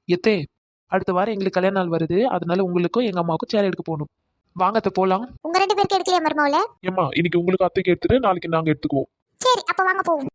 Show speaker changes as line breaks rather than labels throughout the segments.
எத்தே, அடுத்த வாரம் எங்களுக்கு கல்யாண நாள் வருது. அதனால உங்களுக்கும் எங்க அம்மாவுக்கும் சேலை எடுக்க போகணும். வாங்க அத்தை போலாம்.
உங்க 2 பேருக்கு எடுக்கலையா மருமவளே?
ஏம்மா இன்னைக்கு உங்களுக்கு அத்தைக்கு எடுத்துட்டு நாளைக்கு நாங்க எடுத்துக்குவோம்.
சரி அப்ப வாங்க போவோம்.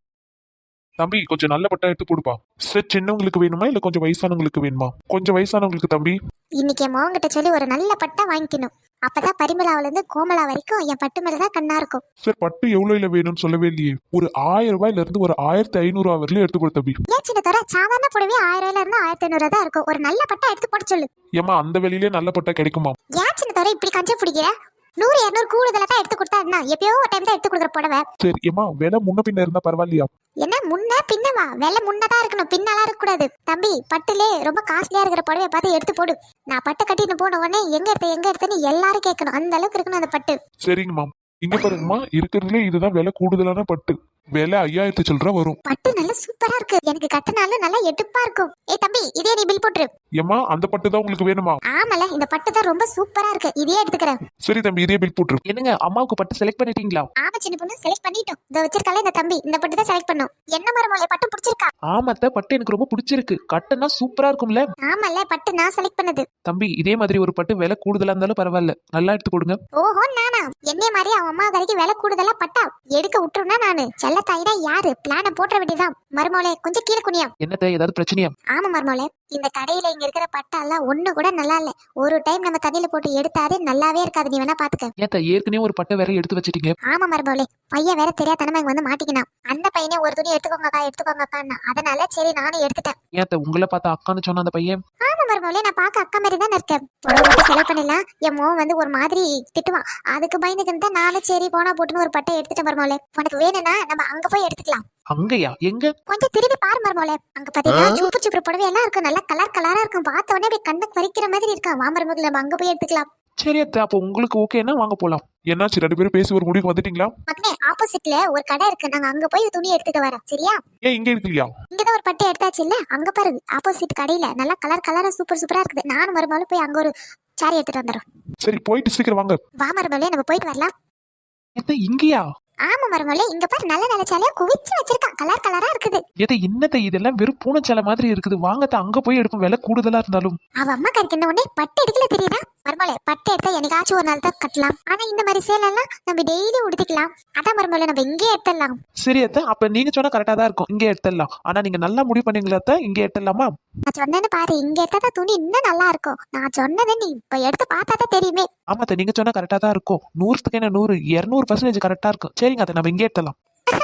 தம்பி கொஞ்சம் நல்ல பட்டா எடுத்து கொடுப்பா. சார் சின்னவங்களுக்கு வேணுமா இல்ல கொஞ்சம் வயசானவங்களுக்கு வேணுமா? கொஞ்சம் வயசானவங்களுக்கு தம்பி.
இன்னைக்கு என் மகன்கிட்ட சொல்லி ஒரு நல்ல பட்டா வாங்கிக்கணும். அப்பதான் பரிமளாவில இருந்து கோமலா வரைக்கும் என் பட்டு மேலதான் கண்ணா இருக்கும்.
சார் பட்டு எவ்வளவுல வேணும்னு சொல்லவே இல்லையே. ஒரு 1000 ரூபாயில இருந்து ஒரு 1500 வரையிலும் எடுத்து கொடு தம்பி.
ஏன் சின்ன தவிர சாதாரண புடவை 1000 ரூபாயில இருந்து 1500 தான் இருக்கும். ஒரு நல்ல பட்டா எடுத்து போட சொல்லு.
ஏமா அந்த வெளியிலே நல்ல பட்டா கிடைக்குமா?
ஏன் சின்ன தவிர இப்படி கஞ்ச பிடிக்கிற? 100 200 கூடுதலா தான் எடுத்து கொடுத்தா என்ன? எப்பயோ ஒரு டைம் தான் எடுத்து கொடுக்குற புடவை.
சரி ஏமா விலை முன்ன பின்ன இருந்தா பரவாயில்லையா?
என்ன முன்ன பின்னவா? விலை முன்னதா இருக்கணும், பின்னலாம் இருக்க கூடாது. தம்பி பட்டுலே ரொம்ப காஸ்ட்லியா இருக்கிற புடவைய பார்த்து எடுத்து போடு. நான் பட்டு கட்டிட்டு போன உடனே எங்க எடுத்தேன்னு எல்லாரும் கேட்கணும். அந்த அளவுக்கு இருக்கணும் அந்த பட்டு.
சரிங்கம்மா. இங்க பாருங்கம்மா இருக்கிறதுலே இதுதான் விலை கூடுதலான பட்டு. விலை 5000 சில்லற வரும்.
பட்டு நல்லா சூப்பரா இருக்கு. எனக்கு கட்டினாலும் நல்லா எடுப்பா இருக்கும். ஏய் தம்பி இதே நீ பில் போட்டுரு.
ஏமா அந்த பட்டு தான் உங்களுக்கு வேணுமா?
ஆமால இந்த பட்டு தான் ரொம்ப சூப்பரா இருக்கு. இதே எடுத்துக்கிறேன்.
சரி தம்பி இதே பில் போட்டுரு.
என்னங்க அம்மாவுக்கு பட்டு செலக்ட் பண்ணிட்டீங்களா?
ஆமா சின்ன பொண்ணு செலக்ட் பண்ணிட்டோம். இத வச்சிருக்கால இந்த தம்பி இந்த பட்டு தான் செலக்ட் பண்ணோம். என்ன மரமோலே பட்டு பிடிச்சிருக்கா?
ஆமாத்த, பட்டு எனக்கு ரொம்ப பிடிச்சிருக்கு. கட்டுனா சூப்பரா இருக்கும்ல.
ஆமால பட்டு நான் செலக்ட் பண்ணது.
தம்பி இதே மாதிரி ஒரு பட்டு விலை கூடுதலா இருந்தாலும் பரவாயில்ல, நல்லா எடுத்து கொடுங்க.
ஓஹோ நானா? என்னைய மாதிரி அவன் அம்மா கறிக்கு விலை கூடுதலா பட்டா எடுக்க விட்டுருனா நானு செல்ல தாயினா யாரு? பிளான போட்டுற வேண்டியதான். மருமோளே கொஞ்சம் கீழே குனியா.
என்னத்த, ஏதாவது பிரச்சனையா?
ஆமா மருமோளே, இந்த கடையில இங்க இருக்கிற பட்டாலாம் ஒண்ணு கூட நல்லா இல்ல. ஒரு டைம் நம்ம தண்ணியில போட்டு எடுத்தாலே நல்லாவே இருக்காது. நீ வேணா பாத்துக்க.
ஏத்த, ஏற்கனவே ஒரு பட்டை வேற எடுத்து வச்சிட்டீங்க.
ஆமா மருமோளே, பையன் வேற தெரியாதனமா இங்க வந்து மாட்டிக்கினான். அந்த பையனே ஒரு துணி எடுத்துக்கோங்கக்கா. அதனால சரி நானும் எடுத்துட்டேன்.
ஏத்த, உங்களை பார்த்தா அக்கான்னு சொன்ன அந்த பையன்?
ஆமா மருமோளே, நான் பாக்க அக்கா மாதிரி தான் இருக்கேன். புடவை மட்டும் செலவு பண்ணலாம். என் மோன் வந்து ஒரு மாதிரி திட்டுவான். அதுக்கு பயந்துக்கிட்டு தான் நானும் சரி போனா போட்டுன்னு ஒரு பட்டை எடுத்துட்டேன் மருமோளே. உனக்கு வேணும்னா நம்ம அங்க போய் எடுத்துக்கலாம்.
அங்கயா? எங்க?
கொஞ்சம் திரும்பி பாரு மருமோளே. அங்க பாத்தீங்கன்னா சூப்பர் புடவை எல்லாம் இருக்கு. நல்லா கலரா இருக்கும். பார்த்த உடனே அப்படியே கண்ணுக்கு பறிக்கிற மாதிரி இருக்கா. வா மருமகளே நம்ம அங்க போய் எடுத்துக்கலாம்.
சரி அத்த, அப்போ உங்களுக்கு ஓகேன்னா வாங்க போலாம்.
என்னாச்சு 2 பேரும் பேசி ஒரு முடிவுக்கு வந்துட்டீங்களா?
மகனே ஆப்போசிட்ல ஒரு கடை இருக்கு. நாங்க அங்க போய் துணி எடுத்துட்டு வரோம். சரியா?
ஏன் இங்க இருக்கலையா?
இங்கதான் ஒரு பட்டு எடுத்தாச்சு இல்ல. அங்க பாரு ஆப்போசிட் கடையில நல்லா கலரா சூப்பரா இருக்குது. நானும் மருமகளும் போய் அங்க ஒரு சாரி எடுத்துட்டு வந்துடும்.
சரி போயிட்டு சீக்கிரம் வாங்க.
வா மருமகளே நம்ம போயிட்டு வரலாம்.
ஏத்த, இங்கயா?
ஆமா மருமகளே, இங்க பாரு நல்ல சாலையா குவிச்சு வச்சிருக்கான். கலரா இருக்குது.
ஏத்த, என்னத்த இதெல்லாம் வெறும் பூனைச்சாலை மாதிரி இருக்குது. வாங்கத்த அங்க போய் எடுப்போம், விலை கூடுதலா இருந்தாலும்.
அவ அம்மா கறிக்கு என்ன உடனே பட்டு எடுக்கல தெரியுதா? மருமகளே பட்டு எடுத்தா என்னைக்காச்சும் ஒரு நாள் தான் கட்டலாம். ஆனா இந்த மாதிரி சேலெல்லாம் நம்ம டெய்லி உடுத்திக்கலாம். அதான் மருமகளே நம்ம இங்கே எடுத்துடலாம்.
சரி அத்த, அப்ப நீங்க சொன்னா கரெக்டா தான் இருக்கும். இங்கே எடுத்துடலாம். ஆனா நீங்க நல்லா முடிவு பண்ணீங்களா அத்த? இங்கே எடுத்துடலாமா?
நான் சொன்னேன்னு பாரு, இங்க எடுத்தா துணி இன்னும் நல்லா இருக்கும். நான் சொன்னதை நீ இப்ப எடுத்து பார்த்தாதான் தெரியுமே.
ஆமாத்த, நீங்க சொன்னா கரெக்டா தான் இருக்கும். 100க்கு என்ன 100 200% கரெக்டா இருக்கும். சரிங்க அத்த, நம்ம இங்கே எடுத்துடலாம்.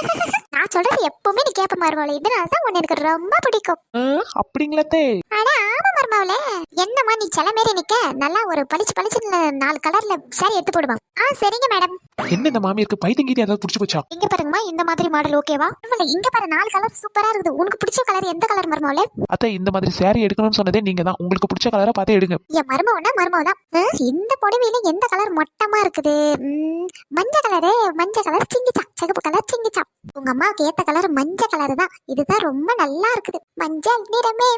நான் சொல்றது எப்பவுமே நீ கேப்ப மருமகளே. இதனாலதான் உன்னை எனக்கு ரொம்ப பிடிக்கும்.
அப்படிங்களாத்தே?
ஆனா ஆமா மருமகளே, என்னம்மா நீ சில மாரி நிக்க நல்லா ஒரு பளிச்சு 4 கலர்ல சாரி எடுத்து போடுவான். சரிங்க மேடம்.
என்ன இந்த மாமியாருக்கு பைத்தியங்கீதி ஏதாவது புடிச்சு போச்சா?
இங்க பாருங்கம்மா, இந்த மாதிரி மாடல் ஓகேவா? இங்க பாரு 4 கலர் சூப்பரா இருக்குது. உனக்கு பிடிச்ச கலர் எந்த கலர் மருமகளே?
அத்தை, இந்த மாதிரி saree எடுக்கணும்னு சொன்னதே நீங்க தான். உங்களுக்கு பிடிச்ச கலரா பார்த்து எடுங்க.
என் மருமவதான். இந்த புடவையில எந்த கலர் மொட்டமா இருக்குது? மஞ்சள் கலர் சிங்கிச்சா, சிகப்பு கலர் சிங்கிச்சா. உங்க அம்மாவுக்கு ஏத்த கலர் மஞ்சள் கலர் தான். இதுதான் ரொம்ப நல்லா இருக்குது. மஞ்சள் நிறமே.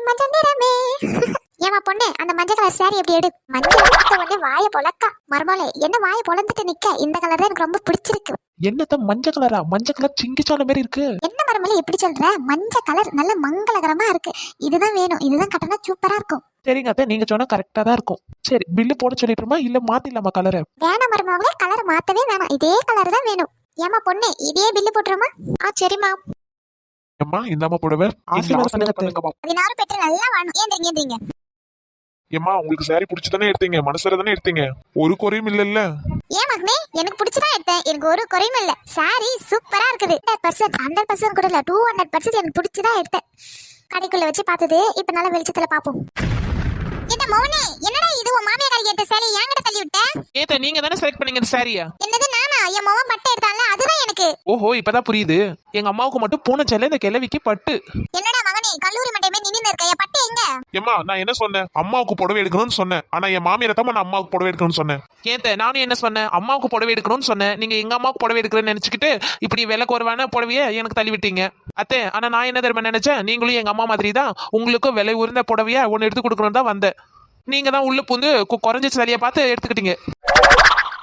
ஏமா பொண்ணு, அந்த மஞ்சள் கலர் சாரி எப்படி எடு. மஞ்சள் உடனே வாய பொழக்கா. மருமகளே என்ன வாய பொழந்துட்டு நிக்க? இந்த கலர் தான் எனக்கு ரொம்ப பிடிச்சிருக்கு.
என்னத்த மஞ்சள் கலரா? மஞ்சள் கலர் சிங்கிச்சான மாதிரி இருக்கு.
என்ன மருமகளே எப்படி சொல்ற? மஞ்சள் கலர் நல்ல மங்களகரமா இருக்கு. இதுதான் வேணும். இதுதான் கட்டினா சூப்பரா இருக்கும்.
சரிங்க அத்தை, நீங்க சொன்னா கரெக்டா தான் இருக்கும். சரி பில்லு போட சொல்லிட்டுமா இல்ல மாத்திடலாமா கலரை?
வேணாம் மருமகளே, கலர் மாத்தவே வேணாம். இதே கலர் தான் வேணும். ஏமா பொண்ணு இதே பில்லு போட்டுருமா? சரிம்மா.
அம்மா இந்தாம்மா புடவை.
ஆசீர்வாதம் பண்ணுங்கம்மா.
16 பெற்று நல்லா வாணும். ஏந்திரிங்க.
ஏம்மா உங்களுக்கு சாரி பிடிச்சி தானே எடுத்தீங்க? மனசார தானே எடுத்தீங்க? ஒரு குறையும் இல்லல்ல?
ஏன் மகனே, எனக்கு பிடிச்சதான் எடுத்தேன். எனக்கு ஒரு குறையும் இல்ல. சாரி சூப்பரா இருக்குது. 100% கூட இல்ல, 200% எனக்கு பிடிச்சதான் எடுத்தேன். கடைக்குள்ள வச்சு பார்த்தது இப்ப நல்ல வெளிச்சத்துல பாப்போம். என்ன மௌனே, என்னடா இது? உன் மாமியார் கறி எடுத்த சாரி என்கிட்ட தள்ளி விட்ட?
ஏத்த, நீங்க தானே செலக்ட் பண்ணீங்க இந்த சாரியா?
என்னது நானா? என் மவன் பட்டு எடுத்தான்ல, அதுதான் எனக்கு.
ஓஹோ, இப்பதான் புரியுது. எங்க அம்மாவுக்கு மட்டும் பூனைச்சாலை, இந்த கிழவிக்கு பட்டு.
என்னடா மகனே, கல்லூரி மண்டையமே நின்னு இருக்க. என் பட்டு எங்க?
ஏம்மா நான் என்ன சொன்னேன்? அம்மாவுக்கு புடவை எடுக்கணும்னு சொன்னேன். ஆனா என் மாமியாரை தான் நான் அம்மாவுக்கு புடவை எடுக்கணும்னு சொன்னேன்.
ஏத்த, நானும் என்ன சொன்னேன்? அம்மாவுக்கு புடவை எடுக்கணும்னு சொன்னேன். நீங்க எங்க அம்மாவுக்கு புடவை எடுக்கிறேன்னு நினைச்சுக்கிட்டு இப்படி விலை குறைவான புடவைய எனக்கு தள்ளி விட்டீங்க அத்தே. ஆனா நான் என்ன தெரியுமா நினைச்சேன்? நீங்களும் எங்க அம்மா மாதிரி தான், உங்களுக்கும் விலை உயர்ந்த புடவைய ஒன்னு எடுத்து கொடுக்கணும் தான் வந்தேன். நீங்க தான் உள்ள புந்து குறைஞ்ச சரியா பார்த்து எடுத்துக்கிட்டீங்க.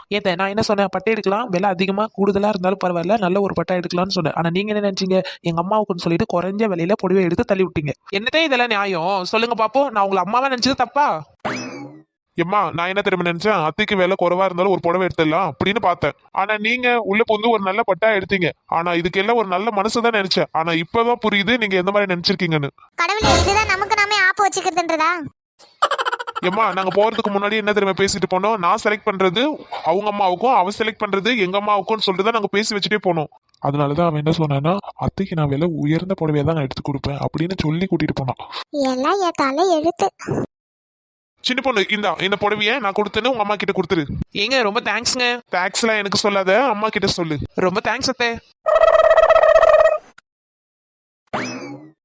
ஏத்த நான் என்ன சொன்னேன், பட்டை எடுக்கலாம், விலை அதிகமா கூடுதலா இருந்தாலும் பரவாயில்ல, நல்ல ஒரு பட்டை எடுக்கலாம்னு சொன்னேன். ஆனா நீங்க என்ன நினைச்சீங்க, எங்க அம்மாவுக்குன்னு சொல்லிட்டு குறைஞ்ச விலையில புடவை எடுத்து தள்ளி விட்டீங்க. என்னதே இதெல்லாம் நியாயம் சொல்லுங்க பாப்போம். நான் உங்களை அம்மாவா நினைச்சது தப்பா?
எம்மா நான் என்ன தெரியுமா நினைச்சேன், அத்தைக்கு விலை குறைவா இருந்தாலும் ஒரு புடவை எடுத்துடலாம் அப்படின்னு பார்த்தேன். ஆனா நீங்க உள்ள வந்து ஒரு நல்ல பட்டா எடுத்தீங்க. ஆனா இதுக்கெல்லாம் ஒரு நல்ல மனசு தான் நினைச்சேன். ஆனா இப்பதான் புரியுது நீங்க எந்த மாதிரி நினைச்சிருக்கீங்கன்னு.
கடவுளே, இதுதான் நமக்கு நாமே ஆப்பு வச்சுக்கிறதுன்றதா?
எம்மா நாங்க போறதுக்கு முன்னாடி என்ன தெரியுமா பேசிட்டு போனோம், நான் செலக்ட் பண்றது அவங்க அம்மாவுக்கும், அவன் செலக்ட் பண்றது எங்க அம்மாவுக்கும் சொல்லிட்டு தான் நாங்க பேசி வச்சுட்டே போனோம். அதனாலதான் அவன் என்ன சொன்னான்னா, அத்தைக்கு நான் விலை உயர்ந்த புடவையா தான் நான் எடுத்து கொடுப்பேன் அப்படின்னு சொல்லி கூட்டிட்டு போனான்.
எல்லாம் என் தலை எழுத்து.
சின்ன பொண்ணு இந்த புடவைய நான் கொடுத்தேன்னு உங்க அம்மா கிட்ட கொடுத்துரு.
ஏங்க ரொம்ப தேங்க்ஸ்ங்க.
டாக்ஸ் எல்லாம் எனக்கு சொல்லாத, அம்மா கிட்ட சொல்லு.
ரொம்ப தேங்க்ஸ் அத்தை.